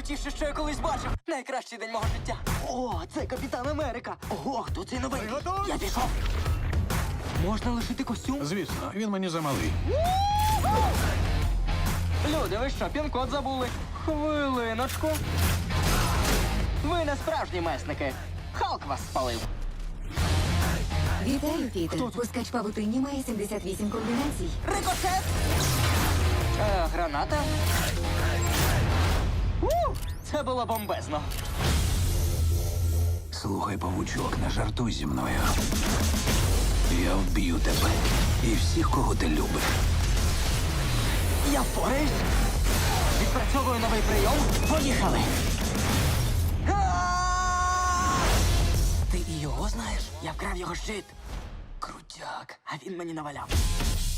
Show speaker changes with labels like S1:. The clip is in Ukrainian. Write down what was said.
S1: Найкрутіше, що я колись бачив. Найкращий день мого життя. О, це Капітан Америка. Ого, хто цей новий? Я пішов. Можна лишити костюм?
S2: Звісно, він мені замалий.
S1: Люди, ви що, пін-код забули? Хвилиночку. Ви не справжні месники. Халк вас спалив.
S3: Вітаю, Пітер. Пускач павутинні має 78 комбінацій.
S1: Рикошет! Граната? Це було бомбезно.
S2: Слухай, павучок, не жартуй зі мною. Я вб'ю тебе і всіх, кого ти любиш.
S1: Я впораюсь. Відпрацьовую новий прийом. Поїхали. Ти і його знаєш? Я вкрав його щит. Крутяк. А він мені наваляв.